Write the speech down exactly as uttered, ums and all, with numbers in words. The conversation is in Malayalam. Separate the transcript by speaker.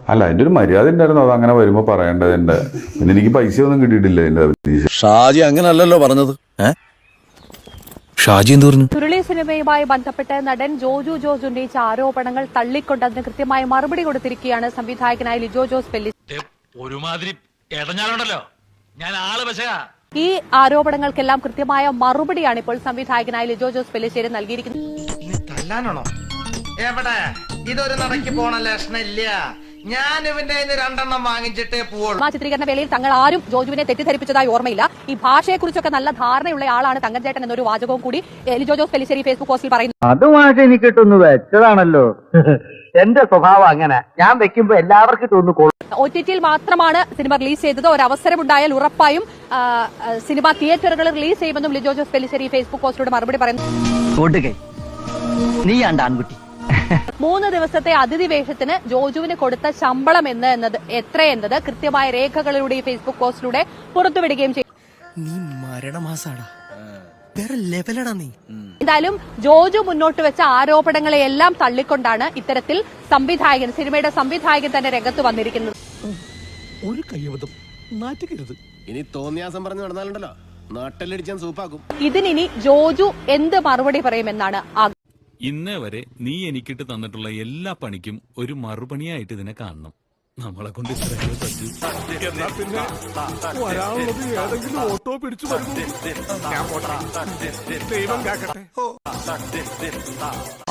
Speaker 1: അല്ല, അതിന്റെ ഒരു മര്യാദ ഉണ്ടായിരുന്നു. അത് അങ്ങനെ വരുമ്പോ പറയേണ്ടതിന്റെ. പിന്നെ എനിക്ക് പൈസ ഒന്നും കിട്ടിയിട്ടില്ല എന്റെ.
Speaker 2: ഷാജി അങ്ങനല്ലല്ലോ പറഞ്ഞത്. ഷാജി എന്ത് പറഞ്ഞു?
Speaker 3: ചുരുളി സിനിമയുമായി ബന്ധപ്പെട്ട് നടൻ ജോജു ജോസ് ഉന്നയിച്ച ആരോപണങ്ങൾ തള്ളിക്കൊണ്ട് അതിന് കൃത്യമായ മറുപടി കൊടുത്തിരിക്കുകയാണ് സംവിധായകനായ ലിജോ ജോസ് പെല്ലിശ്ശേരി.
Speaker 4: ഒരുമാതിരി ഇടഞ്ഞാലുണ്ടല്ലോ ഞാൻ ആള് പക്ഷേ
Speaker 3: ഈ ആരോപണങ്ങൾക്കെല്ലാം കൃത്യമായ മറുപടിയാണ് ഇപ്പോൾ സംവിധായകനായ ലിജോ ജോസ് പെല്ലിശ്ശേരി നൽകിയിരിക്കുന്നത്.
Speaker 5: എവിടെ ഇതൊരു നടക്ക് പോണ ലക്ഷണില്ല. ഞാൻ ഇവന്റെ രണ്ടെണ്ണം വാങ്ങിച്ചിട്ടേ പോവുള്ളൂ.
Speaker 3: ആ ചിത്രീകരണ വേളയിൽ തങ്ങൾ ആരും ജോജുവിനെ തെറ്റിദ്ധരിപ്പിച്ചതായി ഓർമ്മയില്ല. ഈ ഭാഷയെക്കുറിച്ചൊക്കെ നല്ല ധാരണയുള്ള ആളാണ് തങ്കച്ചേട്ടൻ എന്നൊരു വാചകവും കൂടി ലിജോ ജോസ് പെല്ലിശ്ശേരി ഫേസ്ബുക്ക് പോസ്റ്റിൽ പറയുന്നു.
Speaker 6: അതുമായിട്ട് എനിക്ക് കിട്ടുന്നു വെച്ചതാണല്ലോ. എന്റെ സ്വഭാവം അങ്ങനെ, ഞാൻ വെക്കുമ്പോ എല്ലാവർക്കും തോന്നുന്നു.
Speaker 3: ഒ ടി ടിയിൽ മാത്രമാണ് സിനിമ റിലീസ് ചെയ്തത്. ഒരു അവസരമുണ്ടായാൽ ഉറപ്പായും സിനിമ തിയേറ്ററുകളിൽ റിലീസ് ചെയ്യുമെന്നും ലിജോ ജോസ് പെല്ലിശ്ശേരി ഫേസ്ബുക്ക് പോസ്റ്റിലൂടെ മറുപടി പറയുന്നു.
Speaker 6: നീ ആൺകുട്ടി
Speaker 3: മൂന്ന് ദിവസത്തെ അതിഥി വേഷത്തിന് ജോജുവിന് കൊടുത്ത ശമ്പളം എന്ന് എന്നത് എത്രയെന്നത് കൃത്യമായ രേഖകളിലൂടെ ഈ ഫേസ്ബുക്ക് പോസ്റ്റിലൂടെ പുറത്തുവിടുകയും ചെയ്തു. എന്തായാലും ജോജു മുന്നോട്ട് വെച്ച ആരോപണങ്ങളെയെല്ലാം തള്ളിക്കൊണ്ടാണ് ഇത്തരത്തിൽ സംവിധായകൻ, സിനിമയുടെ സംവിധായകൻ തന്നെ രംഗത്ത് വന്നിരിക്കുന്നത്.
Speaker 2: ഒരു കയ്യബദ്ധം നാറ്റുകരുത്. ഇനി തോന്നിയാസം പറഞ്ഞു നടന്നാലുണ്ടല്ലോ നാട്ടിലടിച്ചാൻ സൂപ്പാക്കും.
Speaker 3: ഇതിനി ജോജു എന്ത് മറുപടി പറയുമെന്നാണ് ആഗ്രഹം.
Speaker 7: ഇന്നേ വരെ നീ എനിക്കിട്ട് തന്നിട്ടുള്ള എല്ലാ പണിക്കും ഒരു മറുപണിയായിട്ട് ഇതിനെ കാണണം. നമ്മളെ കൊണ്ട് ഇത്രയും പറ്റൂ.
Speaker 2: എന്നാ പിന്നെ വരാനുള്ളത് ഏതെങ്കിലും ഓട്ടോ പിടിച്ചു വരുന്നു. ദൈവം കാക്കട്ടെ.